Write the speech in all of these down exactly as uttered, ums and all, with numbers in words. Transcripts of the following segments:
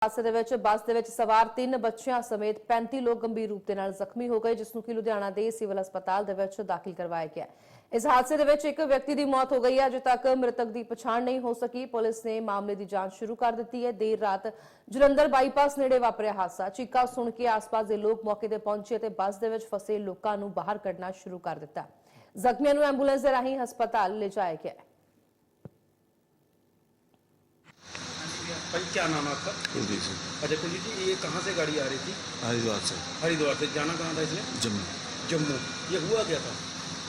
ਹਾਦਸੇ ਦੇ ਵਿੱਚ ਬੱਸ ਦੇ ਵਿੱਚ ਸਵਾਰ ਤਿੰਨ ਬੱਚਿਆਂ ਸਮੇਤ पैंती ਲੋਕ ਗੰਭੀਰ ਰੂਪ ਦੇ ਨਾਲ ਜ਼ਖਮੀ ਹੋ ਗਏ, ਜਿਸ ਨੂੰ ਕਿ ਲੁਧਿਆਣਾ ਦੇ ਸਿਵਲ ਹਸਪਤਾਲ ਦੇ ਵਿੱਚ ਦਾਖਲ ਕਰਵਾਇਆ ਗਿਆ। इस हादसे ਦੇ ਵਿੱਚ ਇੱਕ ਵਿਅਕਤੀ ਦੀ ਮੌਤ ਹੋ ਗਈ ਹੈ। ਅਜੇ ਤੱਕ ਮ੍ਰਿਤਕ ਦੀ ਪਛਾਣ नहीं हो सकी। पुलिस ने मामले की जांच शुरू कर दी है। देर रात जलंधर बाईपास नेड़े वापरिया हादसा। चीका सुन के आस-पास के लोग मौके ते पहुंचे ते बस दे विच फसे लोकां नूं बाहर कढना शुरू कर दिता। ਜ਼ਖਮੀਆਂ ਨੂੰ एंबूलेंस ਦੇ ਰਾਹੀਂ हस्पताल ले जाया गया। भाई क्या नाम है आपका? कुलदीप सिंह। अच्छा कुलदीप जी, ये कहाँ से गाड़ी आ रही थी? हरिद्वार से। हरिद्वार से जाना कहाँ था इसने? जम्मू। जम्मू। ये हुआ क्या था?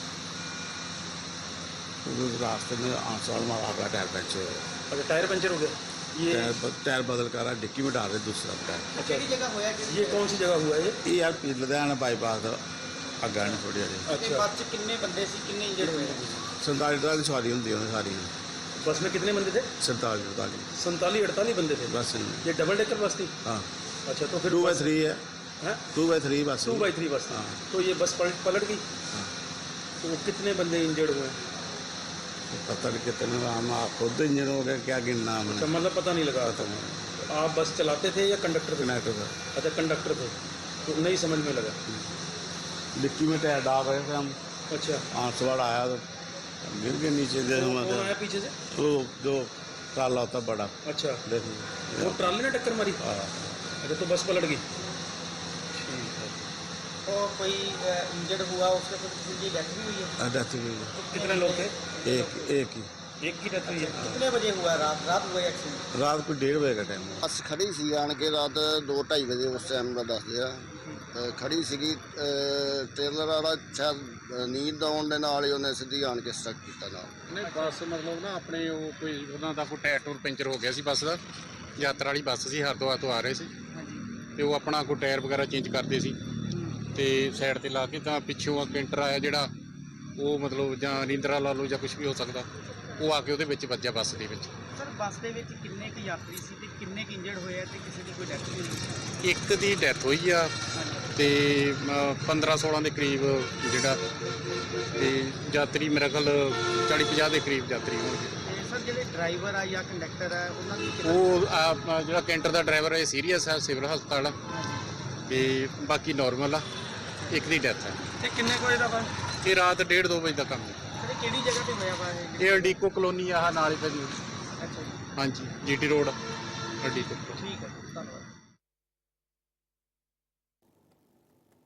रास्ते में आंसवाड़ मारा का टायर पंचर हो गया। अच्छा टायर पंचर हो गया। ये टायर टायर बदल कर रहा, डिक्की में डाल रहे दूसरा टायर। अच्छा जगह हुआ? ये कौन सी जगह हुआ है? ये यार लुधियाना बाईपास अग्गा नहीं थोड़ी हारी। अच्छा बस च कितने बंदे सी, कितने इंजर्ड हुए? संताली अड़ताली सवारी होंगी सारी। बस में कितने बंदे थे? संताली अड़ताली संताली अड़तालीस बंदे थे बस। ये डबल डेकर बस थी? हाँ। अच्छा तो फिर टू बाई थ्री है। टू बाई थ्री बस। टू बाई थ्री बस थी। तो ये बस पलट पलट गई। हाँ। तो कितने बंदे इंजर्ड हुए? पता नहीं कितने, हम आप खुद इंजन हो गए क्या गिनना हमने। अच्छा मतलब पता नहीं लगा। पता नहीं। आप बस चलाते थे या कंडक्टर थे? कंडक्टर था। अच्छा कंडक्टर थे, तो नहीं समझ में लगा। डिक्की में टायर डाल रहे थे हम। अच्छा आंसवाड़ आया तो गिर के नीचे दे। कौन आया पीछे से? वो जो ट्राला होता बड़ा। अच्छा देखो वो ट्राले ने टक्कर मारी? हाँ। अच्छा तो बस पलट गई। ठीक है। और कोई इंजर्ड हुआ उसके साथ किसी की डेथ भी हुई है? डेथ हुई है। तो कितने लोग थे? एक एक ही। एक की डेथ हुई है। कितने बजे हुआ? रात रात हुआ एक्सीडेंट? रात को डेढ़ बजे का टाइम है। ਬੱਸ ਖੜੀ ਸੀ ਆਣ ਕੇ ਰਾਤ ਦੋ ਢਾਈ ਵਜੇ ਉਸ ਟਾਈਮ ਦਾ ਦੱਸਦੇ ਆ। ਤੇ ਖੜੀ ਸੀਗੀ ਟ੍ਰੇਲਰ ਵਾਲਾ ਸ਼ਾਇਦ ਨੀਂਦ ਆਉਣ ਦੇ ਨਾਲ ਹੀ ਉਹਨੇ ਸਿੱਧੀ ਆਣ ਕੇ ਸਟਕ ਕੀਤਾ ਨਾਲ। ਨਹੀਂ ਬੱਸ ਮਤਲਬ ਨਾ ਆਪਣੇ ਉਹ ਕੋਈ ਉਹਨਾਂ ਦਾ ਕੋਈ ਟਾਇਰ ਟੂਰ ਪੈਂਚਰ ਹੋ ਗਿਆ ਸੀ ਬੱਸ ਦਾ। ਯਾਤਰਾ ਵਾਲੀ ਬੱਸ ਸੀ, ਹਰਿਦੁਆਰ ਤੋਂ ਆ ਰਹੇ ਸੀ ਤੇ ਉਹ ਆਪਣਾ ਕੋਈ ਟਾਇਰ ਵਗੈਰਾ ਚੇਂਜ ਕਰਦੇ ਸੀ ਤੇ ਸਾਈਡ ਤੇ ਲਾ ਕੇ ਤਾਂ ਪਿੱਛੋਂ ਆ ਕੈਂਟਰ ਆਇਆ ਜਿਹੜਾ ਉਹ ਮਤਲਬ ਜਾਂ ਰਿੰਦਰਾ ਲਾ ਲਓ ਜਾਂ ਕੁਝ ਵੀ ਹੋ ਸਕਦਾ, ਉਹ ਆ ਕੇ ਉਹਦੇ ਵਿੱਚ ਵੱਜਿਆ ਬੱਸ ਦੇ ਵਿੱਚ। ਸਰ ਬੱਸ ਦੇ ਵਿੱਚ ਕਿੰਨੇ ਕੁ ਯਾਤਰੀ ਸੀ ਤੇ ਕਿੰਨੇ ਕੁ ਇੰਜਰਡ ਹੋਏ ਆ ਤੇ ਕਿਸੇ ਦੀ ਕੋਈ ਡੈਥ ਵੀ ਹੋਈ? ਇੱਕ ਦੀ ਡੈਥ ਹੋਈ ਆ ਤੇ ਪੰਦਰਾਂ ਸੋਲਾਂ ਦੇ ਕਰੀਬ ਜਿਹੜਾ ਤੇ ਯਾਤਰੀ ਮੇਰੇ ਖਿਆਲ ਚਾਲੀ ਪੰਜਾਹ ਦੇ ਕਰੀਬ ਯਾਤਰੀ ਹੋਣਗੇ। ਤੇ ਸਰ ਜਿਹੜੇ ਡਰਾਈਵਰ ਆ ਜਾਂ ਕੰਡਕਟਰ ਆ ਉਹਨਾਂ ਦੀ ਕਿੰਨਾ? ਉਹ ਆ ਜਿਹੜਾ ਕੈਂਟਰ ਦਾ ਡਰਾਈਵਰ ਹੈ ਸੀਰੀਅਸ ਹੈ, ਸਿਵਲ ਹਸਪਤਾਲ ਆ ਤੇ ਬਾਕੀ ਨਾਰਮਲ ਆ। ਇੱਕ ਦੀ ਡੈਥ ਹੈ। ਤੇ ਕਿੰਨੇ ਕੋਈ ਦਾ ਵਾ? ਇਹ ਰਾਤ ਡੇਢ ਦੋ ਵਜੇ ਦਾ ਕੰਮ ਹੈ। ਸਰ ਇਹ ਕਿਹੜੀ ਜਗ੍ਹਾ ਤੇ ਹੋਇਆ ਵਾ ਇਹ? ਇਹ ਅਡੀਕੋ ਕਲੋਨੀ ਆਹ ਨਾਲ ਹੀ ਪੈਂਦੀ। ਅੱਛਾ ਜੀ, ਹਾਂਜੀ ਜੀਟੀ ਰੋਡ ਅਡੀਕੋ। ਠੀਕ ਹੈ, ਧੰਨਵਾਦ।